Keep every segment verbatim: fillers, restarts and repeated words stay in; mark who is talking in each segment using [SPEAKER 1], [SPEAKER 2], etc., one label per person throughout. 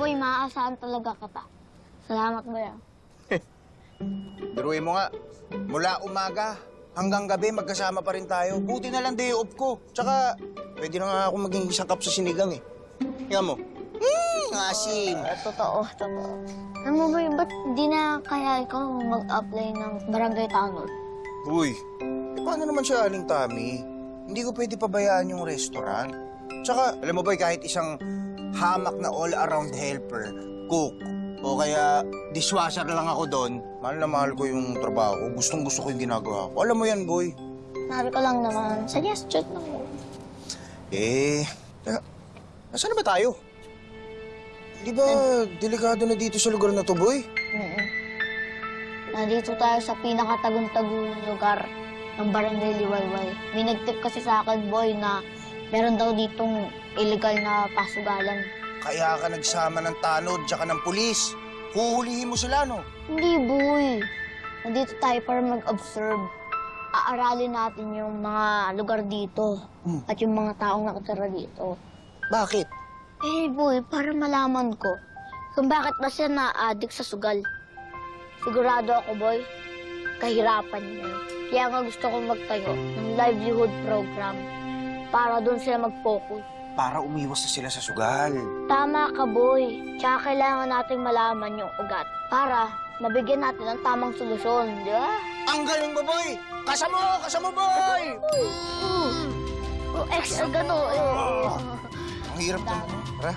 [SPEAKER 1] boy, maaasahan talaga kita. Salamat, boy. ah.
[SPEAKER 2] Biruin mo nga, mula umaga hanggang gabi magkasama pa rin tayo. Buti na lang day off ko. Tsaka, pwede na nga ako maging isang kap sa sinigang eh. Tingnan mo. Hmm, asim.
[SPEAKER 1] Ah, totoo, totoo. Alam mo, boy, ba't di na kaya ikaw mag-apply ng barangay tanod?
[SPEAKER 2] Uy, eh, paano naman siya, Aling Tami? Hindi ko pwede pabayaan yung restaurant. Tsaka, alam mo ba, kahit isang hamak na all-around helper, cook, o kaya dishwasher lang ako doon, mahal na mahal ko yung trabaho ko. Gustong-gusto ko yung ginagawa ko. Alam mo yan, boy.
[SPEAKER 1] Sabi ko lang naman, suggestion lang mo.
[SPEAKER 2] Eh, teka, nasaan na ba tayo? Di ba delikado na dito sa lugar na to, boy?
[SPEAKER 1] Oo. Nandito tayo sa pinakatagong-tagong lugar ng Barangay Liwayway. May nag-tip kasi sa akin, boy, na meron daw ditong illegal na pasugalan.
[SPEAKER 2] Kaya ka nagsama ng tanod tsaka ng pulis. Huhulihin mo sila, no?
[SPEAKER 1] Hindi, boy. Nandito tayo para mag-observe. Aaralin natin yung mga lugar dito
[SPEAKER 2] Hmm.
[SPEAKER 1] at yung mga taong nakatira dito.
[SPEAKER 2] Bakit?
[SPEAKER 1] Eh, boy, para malaman ko kung bakit ba siya na-addict sa sugal. Sigurado ako, boy, kahirapan niya. Kaya nga gusto kong magtayo ng livelihood program para doon sila mag-focus.
[SPEAKER 2] Para umiwas na sila sa sugal.
[SPEAKER 1] Tama ka, boy. Tsaka kailangan nating malaman yung ugat para mabigyan natin ng tamang solusyon, di ba?
[SPEAKER 2] Ang galing mo, boy! Kasamo! Kasamo, boy!
[SPEAKER 1] Uh, uh, extra gato, eh.
[SPEAKER 2] Oh. Ang hirap naman. Tara.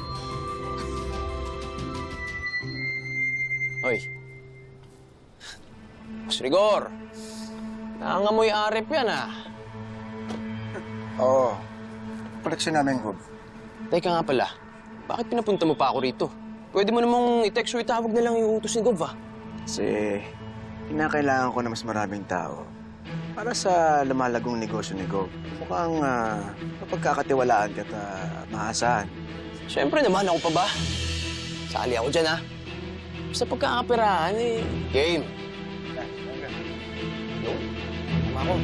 [SPEAKER 3] Hoy. Mas Rigor. Nangangamoy arip yan, ah.
[SPEAKER 2] Oo. Koleksyon namin, Gob.
[SPEAKER 3] Teka nga pala, bakit pinapunta mo pa ako rito? Pwede mo namang i-text o itawag na lang yung utos ni Gov, ah.
[SPEAKER 4] Kasi kinakailangan ko na mas maraming tao para sa lumalagong negosyo ni Gov. Mukhang uh, mapagkakatiwalaan ka at uh, maasahan.
[SPEAKER 3] Siyempre naman, ako pa ba? Sali ako dyan, ah. Basta pagkakapirahan, eh. Game. Yo, tama ako.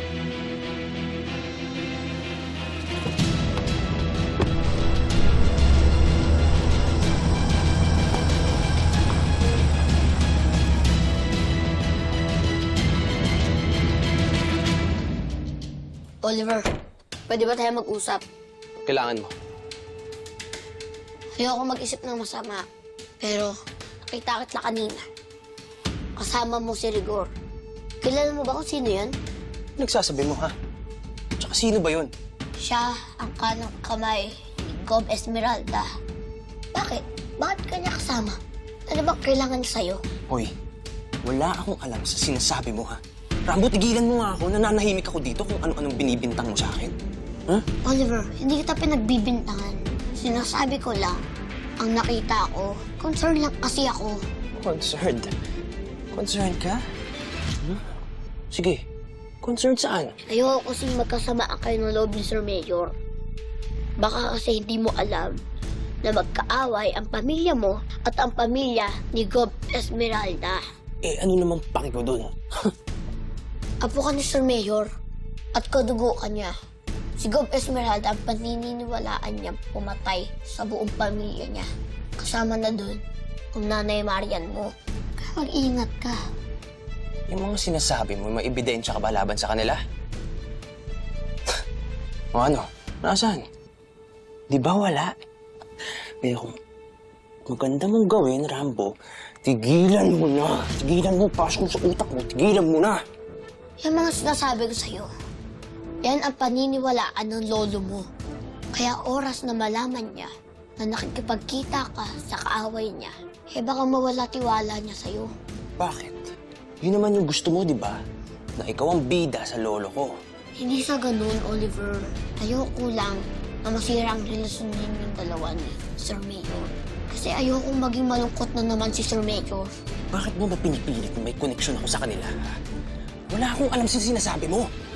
[SPEAKER 1] Oliver, pwede ba tayo mag-usap?
[SPEAKER 3] Kailangan mo.
[SPEAKER 1] Ayoko mag-isip ng masama. Pero, nakita kita kanina. Kasama mo si Rigor. Kilala mo ba kung sino yan?
[SPEAKER 3] Nagsasabi mo, ha? Tsaka sino ba yun?
[SPEAKER 1] Siya ang kanang kamay ni Gov Esmeralda. Bakit? Bakit kanya kasama? Ano ba kailangan sa'yo?
[SPEAKER 3] Hoy, wala akong alam sa sinasabi mo, ha? Rambo, tigilan mo nga ako. Nananahimik ako dito kung ano-anong binibintang mo sa akin. Huh?
[SPEAKER 1] Oliver, hindi kita pinagbibintangan. Sinasabi ko lang, ang nakita ko, concern lang kasi ako.
[SPEAKER 3] Concerned? Concerned ka? Hmm? Sige, concerned saan?
[SPEAKER 1] Ayoko kasing magkasamaan kayo ng loob ni Sir Mayor. Baka kasi hindi mo alam na magkaaway ang pamilya mo at ang pamilya ni Gov Esmeralda.
[SPEAKER 3] Eh, ano namang paki ko dun?
[SPEAKER 1] Apo ka ni Sir Mayor at kadugo ka niya. Si Gov Esmeralda ang paniniwalaan niya pumatay sa buong pamilya niya. Kasama na doon ang nanay Marian mo. Kaya mag-ingat ka.
[SPEAKER 3] Yung mga sinasabi mo, may ebidensya ka ba laban sa kanila? O ano? Nasaan? Di ba wala? Pero kung maganda mong gawin, Rambo, tigilan mo na. Tigilan mo, pasok mo sa utak mo. Tigilan mo na.
[SPEAKER 1] Yung mga sinasabi ko sa'yo, yan ang paniniwalaan ng lolo mo. Kaya oras na malaman niya na nakikipagkita ka sa kaaway niya, eh baka mawala tiwala niya sa'yo.
[SPEAKER 3] Bakit? Yun naman yung gusto mo, di ba? Na ikaw ang bida sa lolo ko.
[SPEAKER 1] Hindi sa ganun, Oliver. Ayoko lang na masira ang relasyon ninyong dalawa ni Sir Mayor. Kasi ayokong maging malungkot na naman si Sir Mayor.
[SPEAKER 3] Bakit mo ba pinipilit na may koneksyon ako sa kanila? Wala akong alam sa sinasabi mo.